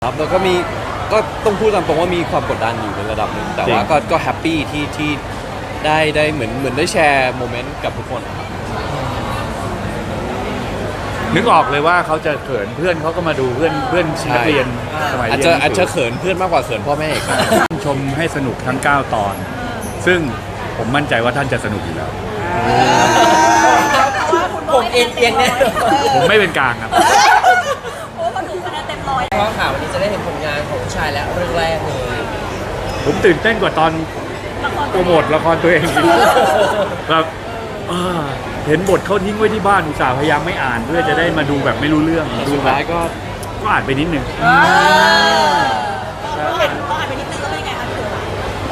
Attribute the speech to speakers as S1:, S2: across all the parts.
S1: ครับแล้วก็ต้องพูดตามตรงว่ามีความกดดันอยู่ในระดับหนึ่งแต่ว่าก็แฮปปี้ที่ได้เหมือนได้แชร์โมเมนต์กับทุกคนครับ
S2: นึกออกเลยว่าเขาจะเขินเพื่อนเขาก็มาดูเพื่อนนักเรียนสมัยเรียน
S1: อาจจะเขินเพื่อนมากกว่าเขินพ่อแม่อีก
S2: ชมให้สนุกทั้ง9 ตอน ซึ่งผมมั่นใจว่าท่านจะสนุกอยู่แล้ว
S3: ผมเอียงแน่
S2: ผมไม่เป็นกลางครับ
S3: โอ้มาถึงคะแนนเต็มร้อยเพราะข่าววันนี้จะได้เห็นผลงานของชายและเรื่องแรกเลย
S2: ผมตื่นเต้นกว่าตอนโปรโมทละครตัวเองแบบเห็นบทเขาทิ้งไว้ที่บ้านอุตส่าห์พยายามไม่อ่านเพื่อจะได้มาดูแบบไม่รู้เรื่องดู
S1: สุด
S2: แบบ
S1: ท้ายก็
S2: อ่านไปนิดนึง
S3: เห็นเขาอ่านไปนิดนึงแล้วเป็นไงคะพี่ตู่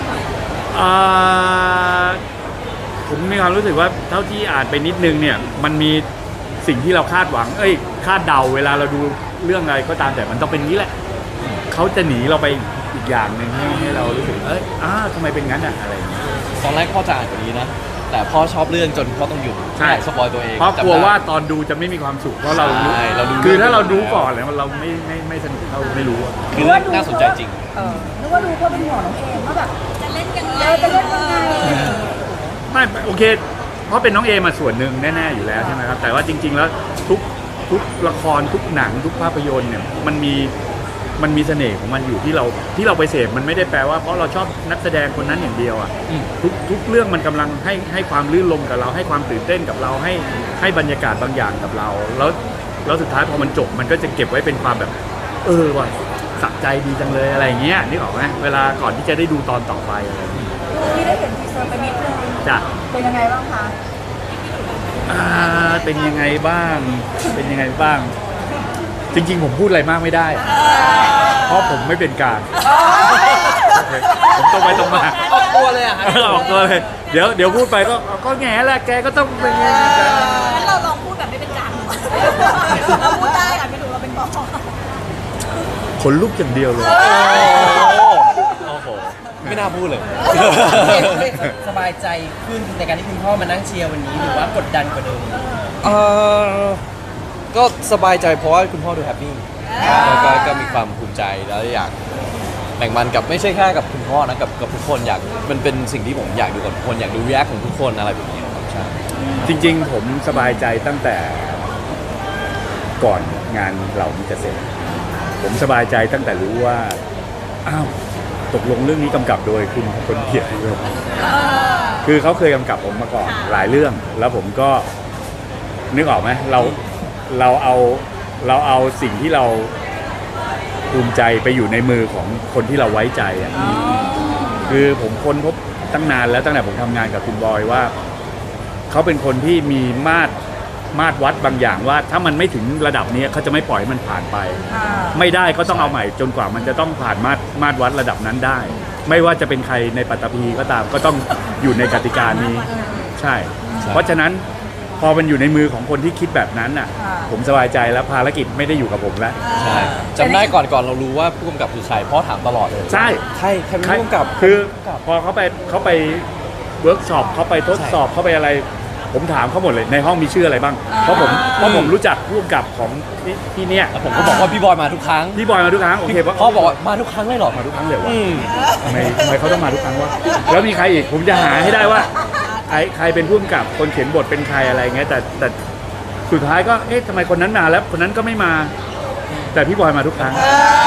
S2: ผมมีความรู้สึกว่าเท่าที่อ่านไปนิดนึงเนี่ยมันมีสิ่งที่เราคาดหวังคาดเดาเวลาเราดูเรื่องอะไรก็ตามแต่มันต้องเป็นนี้แหละเขาจะหนีเราไปอีกอย่างหนึ่งให้เรารู้สึกทำไมเป็นงั้นอะไรอย่างเงี้ย
S1: ตอนแรกพ่อจะอ่านกว่านี้นะแต่พ่อชอบเรื่องจนพ่อต้องหยุดไม่อยากสปอยตัวเอง
S2: เพราะกลัวว่าตอนดูจะไม่มีความสุขเพราะเรารู้
S1: ใช่เราดู
S2: คือถ้าเราดูก่อนแล้วเราไม่สนุกเราไม่รู้
S1: คือเรื่องน่าสนใจจริง
S4: นึกว่าดูเพื่อเป็นห่วงน้องเอมว่าแบบ
S3: จะเล่นยังไง
S4: จะเล่นยังไง
S2: ไม่โอเคเพราะเป็นน้องเอมาส่วนหนึ่งแน่ๆอยู่แล้วใช่ไหมครับแต่ว่าจริง ๆ แล้วทุกละครทุกหนังทุกภาพยนตร์เนี่ยมันมีเสน่ห์ของมันอยู่ที่เราไปเสพมันไม่ได้แปลว่าเพราะเราชอบนักแสดงคนนั้นอย่างเดียวอ่ะทุกเรื่องมันกำลังให้ความลื่นลมกับเราให้ความตื่นเต้นกับเราให้บรรยากาศบางอย่างกับเราแล้วสุดท้ายพอมันจบมันก็จะเก็บไว้เป็นความแบบว่ะสะใจดีจังเลยอะไรอย่างเงี้ยนึกออกไหมเวลาก่อนที่จะได้ดูตอนต่อไปอะไรอย่างเงี้ย
S4: ที่ได้เห็นทีเซอร์ไปนิดนึง
S2: จ้ะ
S4: เป็นยังไงบ้างคะ
S2: เป็นยังไงบ้างจริงๆผมพูดอะไรมากไม่ได้เพราะผมไม่เป็นกลางผมตรงไปตรงมา
S3: ออกตัวเลยอ่ะคะ
S2: ออกตัวเลยเดี๋ยวพูดไปก็แง่แหละแกก็ต้องเป็นไง
S3: งั้นเราลองพูดแบบไม่เป็นกลางเราพูดได้ค่ะพี่ตู่เราเป็นกอง
S2: ขนลุกอย่างเดียวเลย
S1: โอ้โหไม่น่าพูดเลย
S3: สบายใจขึ้นในการที่คุณพ่อมานั่งเชียร์วันนี้หรือว่ากดดันกว่าเดิม
S1: ก็สบายใจเพราะว่าคุณพ่อดูแฮปปี้ก็มีความภูมิใจแล้วอยากแบ่งปันกับไม่ใช่แค่กับคุณพ่อนะกับทุกคนมันเป็นสิ่งที่ผมอยากดูกับทุกคนอยากดูรีแอคของทุกคนอะไรแบบนี้ครับใช่
S2: จริงๆผมสบายใจตั้งแต่ก่อนงานเหล่านี้จะเสร็จผมสบายใจตั้งแต่รู้ว่าตกลงเรื่องนี้กำกับโดยคุณคนเกียรติเลยคือเขาเคยกำกับผมมาก่อนหลายเรื่องแล้วผมก็นึกออกไหมเราเอาสิ่งที่เราภูมิใจไปอยู่ในมือของคนที่เราไว้ใจอ่ะคือผมค้นพบตั้งนานแล้วตั้งแต่ผมทำงานกับคุณบอยว่าเขาเป็นคนที่มีมาตรวัดบางอย่างว่าถ้ามันไม่ถึงระดับนี้เขาจะไม่ปล่อยให้มันผ่านไปไม่ได้ก็ต้องเอาใหม่จนกว่ามันจะต้องผ่านมาตรวัดระดับนั้นได้ ไม่ว่าจะเป็นใครในปัตตภีก็ตามก็ต้องอยู่ในกติกานี้ใช่ เพราะฉะนั้นพอมันอยู่ในมือของคนที่คิดแบบนั้นน่ะผมสบายใจแล้วภารกิจไม่ได้อยู่กับผมแล้ว
S1: ใช่จำได้ก่อนเรารู้ว่าผู้กำกับคือใครพ่อถามตลอดเลย
S2: ใช่
S1: ใครเป็นผู้กำกับ
S2: คือพอเขาไปเวิร์กช็อปเขาไปทดสอบเขาไปอะไรผมถามเขาหมดเลยในห้องมีชื่ออะไรบ้างเพราะผมรู้จักผู้กำกับของที่เนี้ย
S1: แล้วผมก็บอกว่าพี่บอยมาทุกครั้ง
S2: พี่บอยมาทุกครั้งโอเค
S1: พ่อบอกว่ามาทุกครั้งเลยเหรอ
S2: มาทุกครั้งเลยวะทำไมเขาต้องมาทุกครั้งวะแล้วมีใครอีกผมจะหาให้ได้ว่าใครเป็นผู้กำกับคนเขียนบทเป็นใครอะไรเงี้ยแต่สุดท้ายก็ทำไมคนนั้นมาแล้วคนนั้นก็ไม่มาแต่พี่บอยมาทุกครั้ง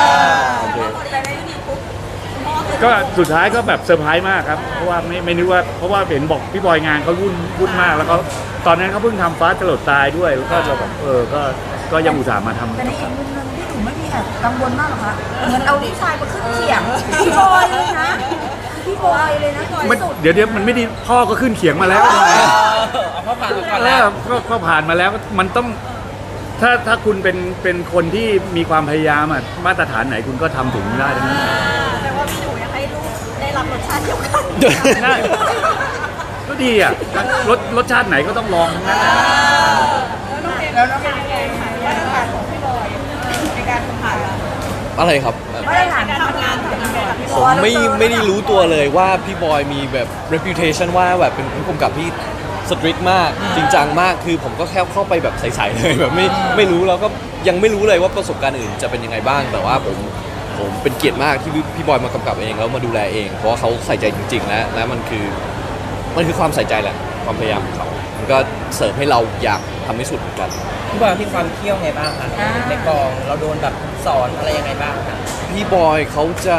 S2: ก็สุดท้ายก็แบบเซอร์ไพรส์มากครับเพราะว่าไม่นึกว่าเพราะว่าเห็นบอกพี่บอยงานเขาวุ่นมากแล้วเขาตอนนั้นเขาเพิ่งทำฟ้าจรดตายด้วยแล้วก็เราแบบก็ยังอุตส่าห์มาทำ
S4: แต่ในอีกมุมนึงพี่ตู่ไม่มีแอบกังวลมากหรอคะเหมือนเอาพี่ชายมาขึ้นเขียงพี่บอยเลยนะพี่บอยเลยนะ
S2: เดี๋ยวมันไม่ดีพ่อก็ขึ้นเขียงมาแล้ว
S3: พ่อผ่านมาก่อนแล้ว
S2: ก็ผ่านมาแล้วมันต้องถ้าคุณเป็นคนที่มีความพยายามมาตรฐานไหนคุณก็ทำถึงได้ทั้งนั้น
S3: แต่ว่าพี่ตู่อยากให้ลูกได้รับรสชาติเดียวกัน
S2: ได้ก็ดีรสชาติไหนก็ต้องลองทั้งนั้น
S4: แล้วน้องเป็นยังไงคะมาตรฐานของพี่บอยในการทำงาน
S1: อะไรครับ
S4: มาตรฐานทำงานของพี่บอย
S1: ผมไม่ได้รู้ตัวเลยว่าพี่บอยมีแบบ reputation ว่าแบบเป็นผู้กำกับที่สตริกมากจริงจังมากคือผมก็แค่เข้าไปแบบใสๆเลยแบบไม่รู้แล้วก็ยังไม่รู้เลยว่าประสบการณ์อื่นจะเป็นยังไงบ้างแต่ว่าผมผมเป็นเกียรติมากที่พี่บอยมากำกับเองแล้วมาดูแลเองเพราะว่าเขาใส่ใจจริงๆและมันคือความใส่ใจแหละความพยายามของเขามันก็เสริมให้เราอยากทำให้สุดเหมือนกัน
S3: พี่บอยมีความเที่ยวไงบ้างคะในกองเราโดนแบบสอนอะไรยังไงบ้างคะ
S1: พี่บอยเขาจะ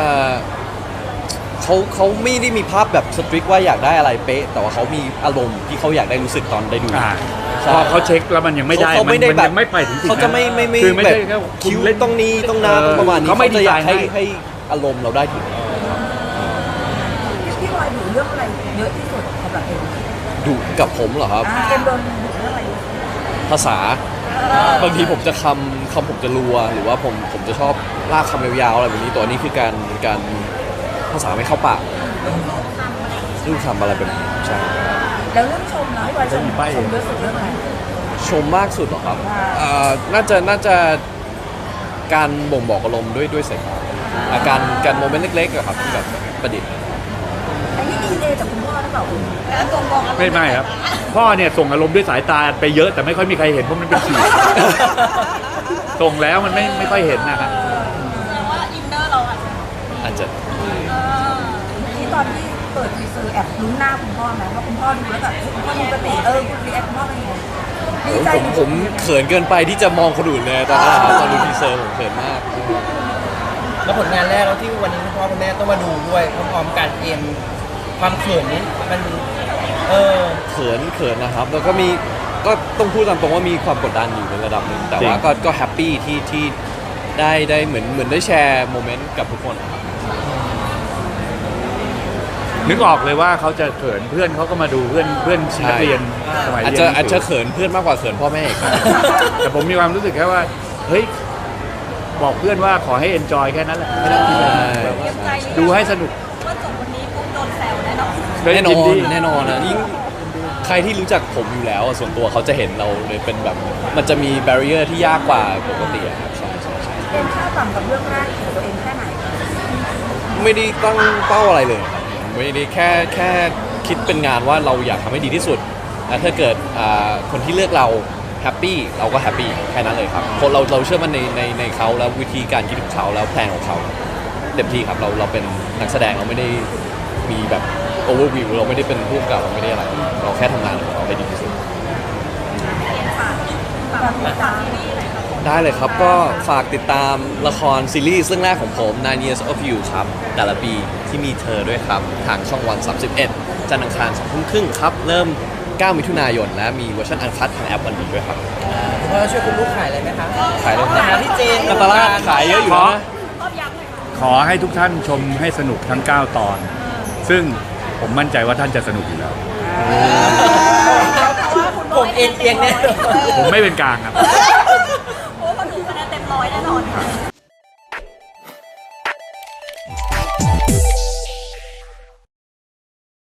S1: เขาไม่ได้มีภาพแบบสตริกว่าอยากได้อะไรเป๊ะแต่ว่าเขามีอารมณ์ที่เขาอยากได้รู้สึกตอนได้ดู ใช่
S2: พอเขาเช็คแล้วมันยังไม่ได้
S1: เขาไม่ได้
S2: มัน
S1: แบบ
S2: ยังไม่ไปถึงจุดนั้น
S1: เขาจะไม่
S2: คือไม่
S1: แบ
S2: ใช่
S1: บ
S2: แค่คุ
S1: คิ้
S2: ณ
S1: ว
S2: เล่น
S1: ต้องนี้ต้องนาต้องประมาณนี้
S2: เขาไม่
S1: จะอยาก
S2: ดีไซน์ให้
S1: ให้อารมณ์เราได้ถึง
S4: พี่บอยดูเรื่องอะไรเยอะที่สุดสำหรับเอ็ม
S1: ดุกับผมเหรอครับ
S4: เอ็มโดนดูเรื่องอะไรเยอะ
S1: ภาษาบางทีผมจะคำผมจะรัวหรือว่าผมจะชอบลากคำยาวๆอะไรแบบนี้ตัวนี้คือการภาษาไม่เข้าปากรูปคำอะไรแบบนี้ใช่
S4: แล้วเรื่องชมนะพี่บอยชมเยอะสุดเรื่องอะไร
S1: ชมมากสุดเหรอครับ
S4: ว่า
S1: น่าจะการบ่งบอกอารมณ์ด้วยสายตาการโมเมนต์เล็กๆอะครับที่แบบประดิษฐ์
S4: อันนี้ดีเลยจากคุณพ่อหรือเปล่าคุณแล้วตรงบอก
S2: ไม่ครับ พ่อเนี่ยส่งอารมณ์ด้วยสายตาไปเยอะแต่ไม่ค่อยมีใครเห็นเพราะมันเป็นสีส่งแล้วมันไม่ค่อยเห็นนะครับ
S5: แสดงว่าอินเนอร์เราอ่ะ
S1: อาจจะ
S4: ที่ตอนที่เปิดทีเซอร์แอบลุ้นหน้าคุณพ่อไหมว่าคุณพ่อดูแล้วแบบคุณพ่อดูปกติคุณรีแอคคุณพ่อเป็นยังไงดีใจ
S1: ผมเขินเกินไปที่จะมองคนอื่นเลยตอนนั้นตอนดูทีเซอร์ผมเขินมาก
S3: แล้วผลงานแรกแล้วที่วันนี้คุณพ่อคุณแม่ต้องมาดูด้วยพร้อมๆกันเอ็มความเขินนี้มัน
S1: เขินนะครับ แล้วก็ต้องพูดตามตรงว่ามีความกดดันอยู่ในระดับหนึ่งแต่ว่า
S2: จริง
S1: ก็แฮปปี้ที่ได้เหมือนได้แชร์โมเมนต์กับทุกคนครับ
S2: นึกออกเลยว่าเขาจะเขินเพื่อนเขาก็มาดูเพื่อนนักเรียนสมัย
S1: อาจ
S2: เรียน
S1: จะเขินเพื่อนมากกว่าเขินพ่อแม่อีกครับ
S2: แต่ผมมีความรู้สึกแค่ว่าเฮ้ยบอกเพื่อนว่าขอให้ enjoy แค่นั้นแหละไม่ต้องคิดอะไร
S5: เตรียมใจหรือยัง
S2: ดูให้สนุก
S5: ว่าจบวันนี้ปุ๊บโดนแซวแน่นอน
S1: แน่นอ
S2: ยิ
S1: น
S2: ดี
S1: แน่นอนนะยิ่งใครที่รู้จักผมอยู่แล้วอะส่วนตัวเขาจะเห็นเราเลยเป็นแบบมันจะมีแบเรียร์ที่ยากกว่าปกติอะครับใช่
S4: เอ็มคาดหวังกับเรื่องแรกของตัวเองแค่ไหน
S1: ไม่ได้ตั้งเป้าอะไรเลยครับไม่ได้แค่คิดเป็นงานว่าเราอยากทำให้ดีที่สุดและถ้าเกิดคนที่เลือกเราแฮปปี้เราก็แฮปปี้แค่นั้นเลยครับคนเราเชื่อมั่นในเขาแล้ววิธีการคิดของเขาแล้วแพลนของเขาเต็มที่ครับเราเป็นนักแสดงเราไม่ได้มีแบบโอเวอร์วิวเราไม่ได้เป็นผู้กำกับเราไม่ได้อะไรเราแค่ทำงานของเราให้ดีที่สุด ได้เลยครับก็ฝากติดตามละครซีรีส์เรื่องแรกของผม Nine Years of You ครับแต่ละปีที่มีเธอด้วยครับ ทางช่องวัน 31 จันทร์อังคาร 20:30 ครับ เริ่ม 9 มิถุนายนและมีเวอร์ชันอันคัดทางแอปวันดีด้วยครับ
S3: คุณพ่อช่วยคุณลูกขายอะไรไหมคะ
S1: ขายเลย
S3: หาพี่เจน
S1: กันตลาดขายเยอะอยู่นะ
S5: รอบยักษ์เลยค่ะ
S2: ขอให้ทุกท่านชมให้สนุกทั้ง 9 ตอน ซึ่งผมมั่นใจว่าท่านจะสนุกอยู่แล้ว
S3: ผมเอ็นเอียงแน่
S2: ผมไม่เป็นกลางครับ
S5: โอ้คนดูคะแนนเต็มร้อยแน่นอนค่ะ